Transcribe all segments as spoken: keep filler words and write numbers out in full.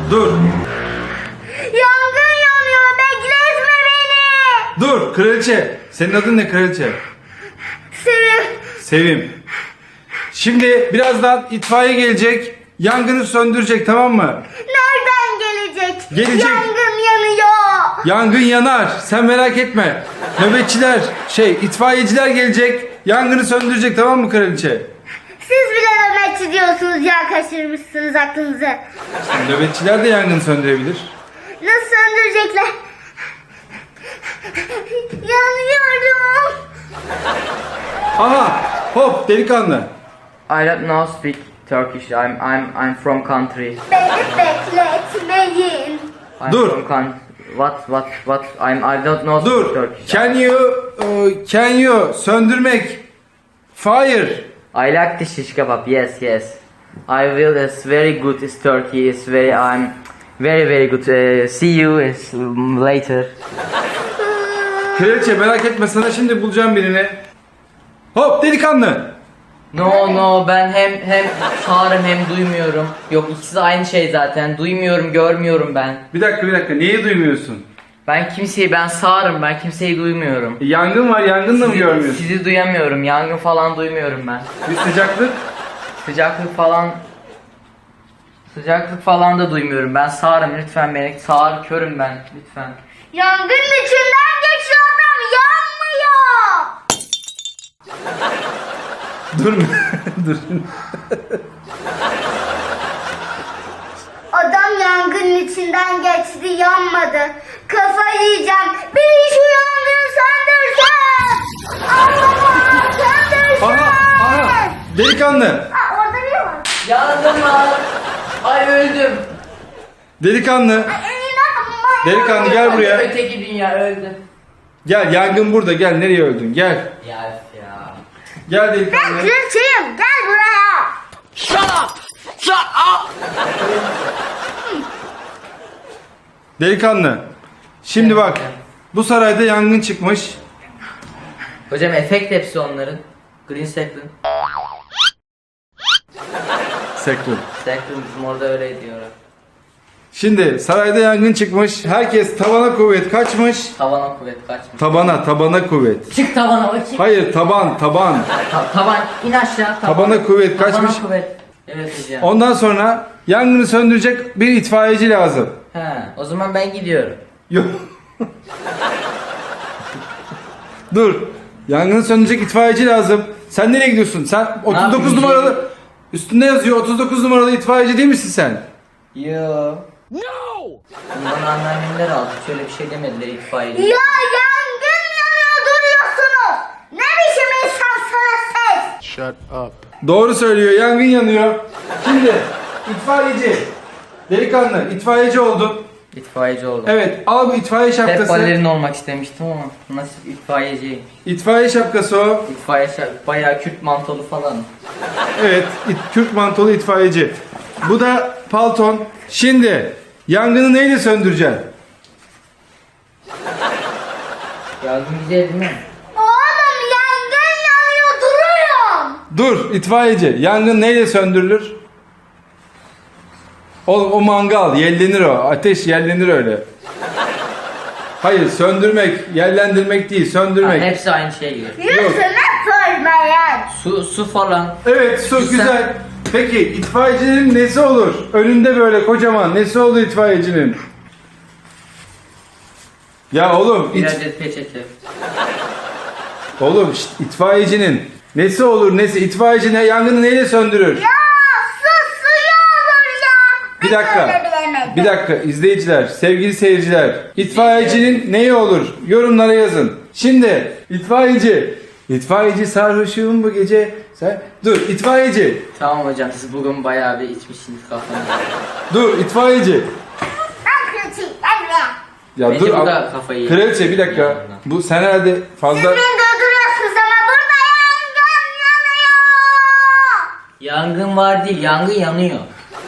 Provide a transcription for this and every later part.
Dur. Yangın yanıyor, bekletme beni. Dur kraliçe. Senin adın ne kraliçe? Sevim. Sevim. Şimdi birazdan itfaiye gelecek. Yangını söndürecek, tamam mı? Nereden gelecek? Gelecek. Yangın yanıyor. Yangın yanar. Sen merak etme. Nöbetçiler, şey itfaiyeciler gelecek. Yangını söndürecek, tamam mı kraliçe? Siz bile nöbetçi diyorsunuz ya, kaçırmışsınız aklınızı. Nöbetçiler de yangını söndürebilir. Nasıl söndürecekler? Yanıyorum. Aha! Hop delikanlı. I don't know speak Turkish. I'm I'm I'm from country. Beni bekletmeyin. I'm Dur. From con- what what what? I'm I don't know speak Dur. Turkish. Can you uh, can you söndürmek? Fire. I like the shish kebab. Yes yes. I will. It's very good. It's Turkey. It's very. I'm very very good. Uh, see you is, um, later. Kraliçe merak etme, sana şimdi bulacağım birini. Hop delikanlı. No no ben hem hem sağırım hem duymuyorum. Yok ikisi de aynı şey zaten. Duymuyorum görmüyorum ben. Bir dakika bir dakika, niye duymuyorsun? Ben kimseyi ben sağırım ben kimseyi duymuyorum. E, yangın var, yangını da mı Sizi, görmüyorsun? sizi duyamıyorum. Yangın falan duymuyorum ben. Bir sıcaklık. Sıcaklık falan Sıcaklık falan da duymuyorum. Ben sağırım lütfen beni. Sağır körüm ben lütfen. Yangının içinden geçiyor adam, yanmıyor. Dur. Dur. Adam yangının içinden geçti, yanmadı. Kafayı yiyeceğim. Biri şu yangını söndürsen. Allah'ım söndürsen. Aha, aha. Delikanlı. Aa, orada biri var. Yandım lan. Ay öldüm. Delikanlı. Ay, inanamıyorum. Delikanlı gel buraya. Öteki dünya öldü. Gel, yangın burada. Gel, nereye öldün? Gel. Ya ya. Gel Ben delikanlı. kraliçeyim, gel buraya. Delikanlı. Şimdi bak. Bu sarayda yangın çıkmış. Hocam efekt hepsi onların. Green Second. Sektör. Second bizim orada öyle diyorlar. Şimdi sarayda yangın çıkmış. Herkes tavana kuvvet kaçmış. Tavana kuvvet kaçmış. Tabana, tabana kuvvet. Çık tavana bakayım. Hayır, taban, taban. Ta- tavan in aşağı. Tavan. Tabana kuvvet Tabana kaçmış. kuvvet. Evet hocam. Ondan sonra yangını söndürecek bir itfaiyeci lazım. He, o zaman ben gidiyorum. Yok. Dur. Yangını söndürecek itfaiyeci lazım. Sen nereye gidiyorsun? Sen otuz dokuz yapayım? numaralı. Üstünde yazıyor otuz dokuz numaralı itfaiyeci değil misin sen? Yo. No. Bana anneannemler aldı. Şöyle bir şey demediler itfaiyeci. Ya yangın yanıyor, duruyorsunuz. Ne biçim insansınız siz? Shut up. Doğru söylüyor. Yangın yanıyor. Şimdi itfaiyeci. Delikanlı itfaiyeci oldun. İtfaiyeci oldum. Evet, al bu itfaiye Hep şapkası. balerin olmak istemiştim ama nasıl itfaiyeciyim. İtfaiye şapkası o. İtfaiye şa- bayağı Kürt mantolu falan. Evet, it, Kürt mantolu itfaiyeci. Bu da palton. Şimdi yangını neyle söndüreceksin? Yardım güzel değil mi? Oğlum yangın yanıyor, duruyorum. Dur, itfaiyeci. Yangın neyle söndürülür? Oğlum o mangal, yellenir o. Ateş yellenir öyle. Hayır, söndürmek, yellendirmek değil, Ha, söndürmek. hepsi aynı şey gibi. Yüzüme sormayın. Su su falan. Evet, su Güzel. güzel. Peki itfaiyecinin nesi olur? Önünde böyle kocaman nesi olur itfaiyecinin? Ya oğlum, Bir it, adet peçete. oğlum şşt, itfaiyecinin nesi olur nesi? İtfaiyeci ne, yangını neyle söndürür? Ya su suyu olur ya. Bir Ben dakika. öyle bilemedim. Bir dakika izleyiciler, sevgili seyirciler. İtfaiyecinin neyi olur? Yorumlara yazın. Şimdi itfaiyeci. İtfaiyeci sarhoşum bu gece. Sen dur itfaiyeci. Tamam hocam siz bugün bayağı bir içmişsiniz kafanı. Dur itfaiyeci. Ben kraliçeyim, gel buraya. Ya Bence dur. bu ab- da kafayı yedi. Kraliçe bir dakika. Yanına. Bu sen herhalde Siz fazla... beni durduruyorsunuz ama burada yangın yanıyor. Yangın var değil yangın yanıyor.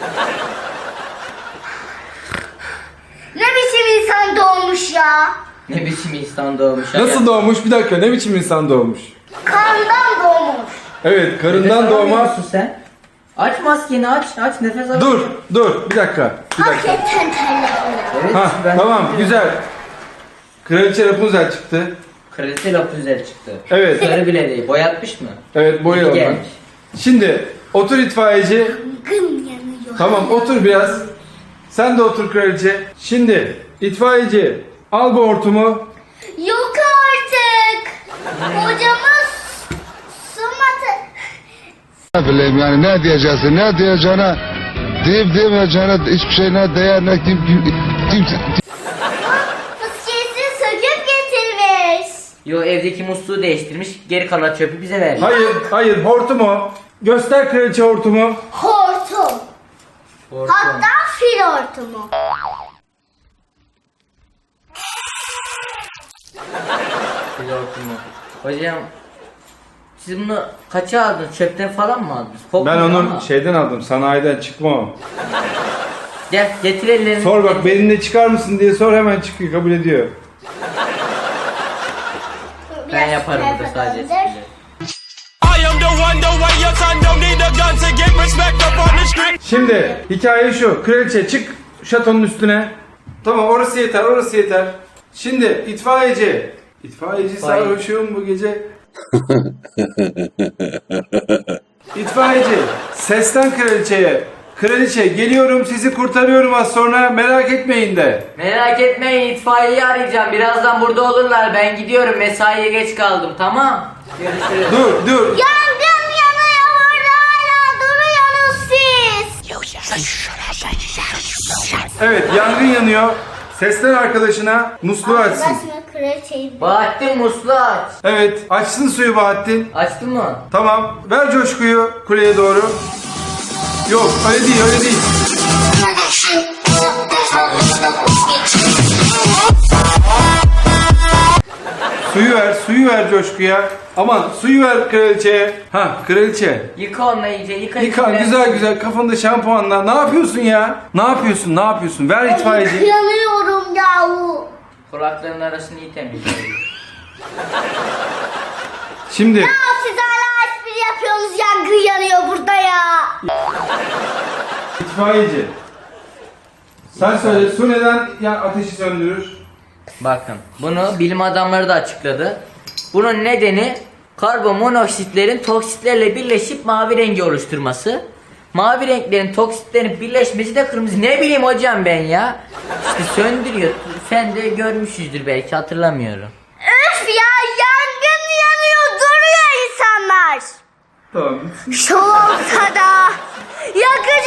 Ne biçim insan doğmuş ya. Ne biçim insan doğmuş. Nasıl doğmuş? Bir dakika, ne biçim insan doğmuş? Kandan doğmuş. Evet, karından doğma. sen? Aç maskeni aç aç nefes al. Dur dur bir dakika. Bir dakika. Hakikaten terledim. Evet, Ha ben- tamam güzel. Kraliçe Rapunzel çıktı. Kraliçe Rapunzel çıktı. Evet. Sarı bile değil. Boyatmış mı? Evet boyayalım. İyi ben. gelmiş. Şimdi otur itfaiyeci. Gım yanıyor. Tamam otur biraz. Sen de otur kraliçe. Şimdi itfaiyeci al bu hortumu. Yok artık. Hocamız sımatı. Ne bileyim yani ne diyeceksin ne diyeceğine deyip demeyeceğine hiçbir şey ne değer ne kim kim kimse Fıskiyesi söküp getirmiş. Yo evdeki musluğu değiştirmiş. Geri kalan çöpü bize verdi. Hayır hayır hortumu. Göster kraliçe hortumu. Hortum. Hortum. Hatta fil hortumu. Fil hortumu. Hocam siz bunu kaça aldınız? Çöpten falan mı aldınız? Ben Kokmuyor onu ama. şeyden aldım sanayiden çıkma o. Gel getir ellerini. Sor bak benimle çıkar mısın diye sor hemen çıkıyor kabul ediyor. Ben yaparım burada sadece Biraz esprileri. I am the one, the way your son don't need a gun to get respect up on the street. Şimdi hikaye şu. Kraliçe çık şatonun üstüne. Tamam orası yeter orası yeter. Şimdi itfaiyeci. İtfaiyeci İtfaiye. sarhoşum bu gece. İtfaiyeci seslen kraliçeye. Kraliçe geliyorum sizi kurtarıyorum az sonra merak etmeyin de. Merak etmeyin itfaiyeyi arayacağım. Birazdan burada olurlar. Ben gidiyorum. Mesaiye geç kaldım. Tamam. Görüşürüz. Dur dur. Yangın yanıyor orada hala duruyorsunuz siz. Evet yangın yanıyor. Seslen arkadaşına musluğu açsın. Ben şimdi kraliçeyi... Bahattin musluğu aç. Evet açsın suyu Bahattin. Açtın mı? Tamam ver coşkuyu kuleye doğru. Yok öyle değil öyle değil. Suyu ver suyu ver coşkuya. Aman suyu ver kraliçeye. Ha kraliçe. Yıka onu iyice. Yıka. Yıkan içine. güzel güzel kafanda şampuanla. Ne yapıyorsun ya? Ne yapıyorsun ne yapıyorsun? Ver itfaiyeci. Yanıyorum yahu. Kulaklarının arasını iyi temizle. Şimdi Ya siz hala espri yapıyorsunuz yangın yanıyor burada ya. itfaiyeci. Sen söyle su neden ya ateşi söndürür? Bakın bunu bilim adamları da açıkladı. Bunun nedeni karbonmonoksitlerin toksitlerle birleşip mavi rengi oluşturması. Mavi renklerin toksitlerin birleşmesi de kırmızı. Ne bileyim hocam ben ya. İşte söndürüyor. Sen de görmüşsüzdür belki hatırlamıyorum. Öf ya yangın yanıyor duruyor insanlar. Tamam. Şu olsa da yakın